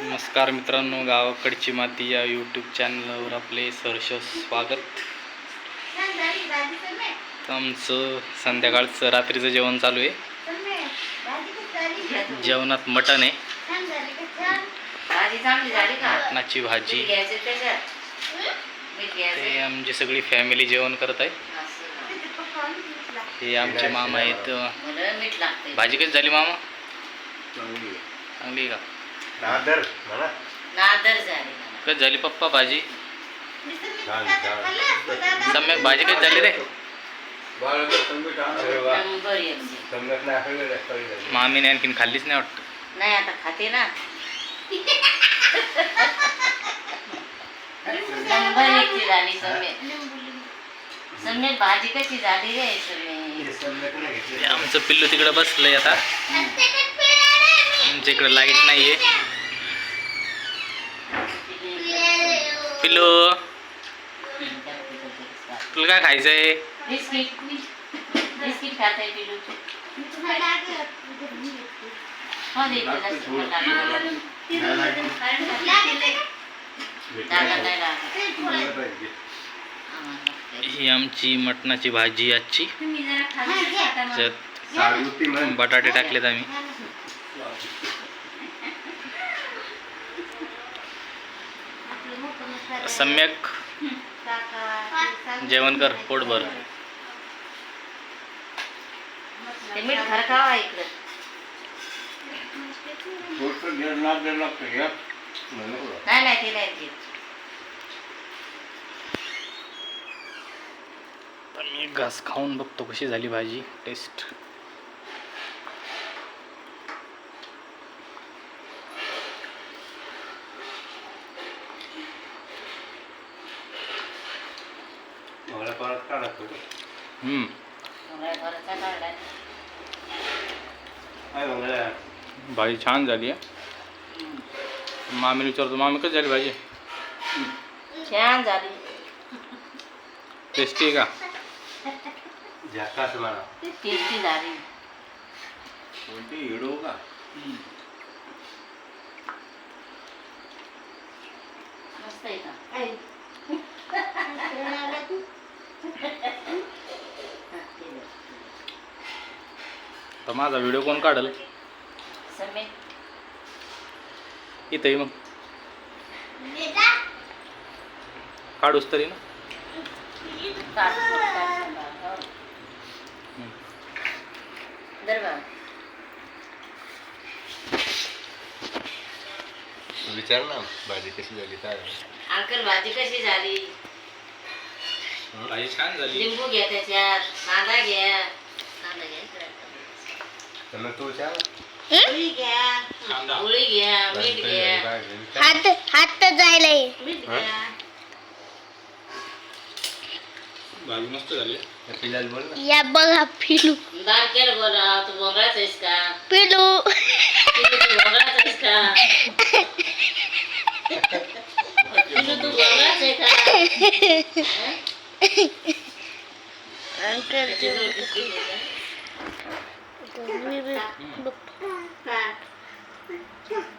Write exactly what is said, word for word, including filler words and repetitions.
नमस्कार मित्रांनो, गावाकडची माती या यूट्यूब चॅनलवर आपले सहर्ष स्वागत. आमचं संध्याकाळचं रात्रीचं जेवण चालू आहे. जेवणात मटण आहे, मटणाची भाजी. ते आमची सगळी फॅमिली जेवण करत आहे. हे आमचे मामा आहेत. भाजी कशी झाली मामा? चांगली का? नादर नादर झाली. कशी झाली पप्पा भाजी? सम्यक भाजी कशी झाली रे? मामीने आणखीन खाल्लीच नाही वाटत. नाही आता खाते ना. नंबर एकची झाली सम्यक. सम्यक भाजी कशी झाली रे सम्यक? आमचं पिल्लू तिकडे बसलंय. आता आमच्या इकडे लाईट नाहीये. पिल्लू तुला काय खायचंय? बिस्किट बिस्किट खाताय पिल्लू? हो दे ही आमची मटणाची भाजी आजची. त्यात बटाटे टाकलेत आम्ही. सम्यक जेवण कर, पोटभर. मीठ खरकावा इकडे. नाही नाही ते नाही ते. मी घास खाऊन बघतो कशी झाली भाजी टेस्ट. हम्म भाजी छान झाली आहे. मामीला विचारतो, मामी कशी झाली भाजी? छान झाली. टेस्टी आहे का? टेस्टी झाली. मस्त आहे का? तर माझा व्हिडिओ कोण काढल? सम्यक इथंही मग काढूस तरी ना. विचार ना भाजी कशी झाली काय? अंकल भाजी कशी झाली? भाजी छान झाली. लिंबू घ्या त्याच्यात, कांदा घ्या. कांदा घ्या. तू विचार पोळी घ्या, पोळी घ्या, मीठ घ्या. हात हात जायला मीठ घ्या. भाजी मस्त झाली. पिलाल बोल ना. या बघा पिलू दार केलं बोला. तू बोलायचं आहेस का? पिलू पिलू तू बोलायचं आहेस का? पिलू तू बोलायचं आहे का? अंकल हं?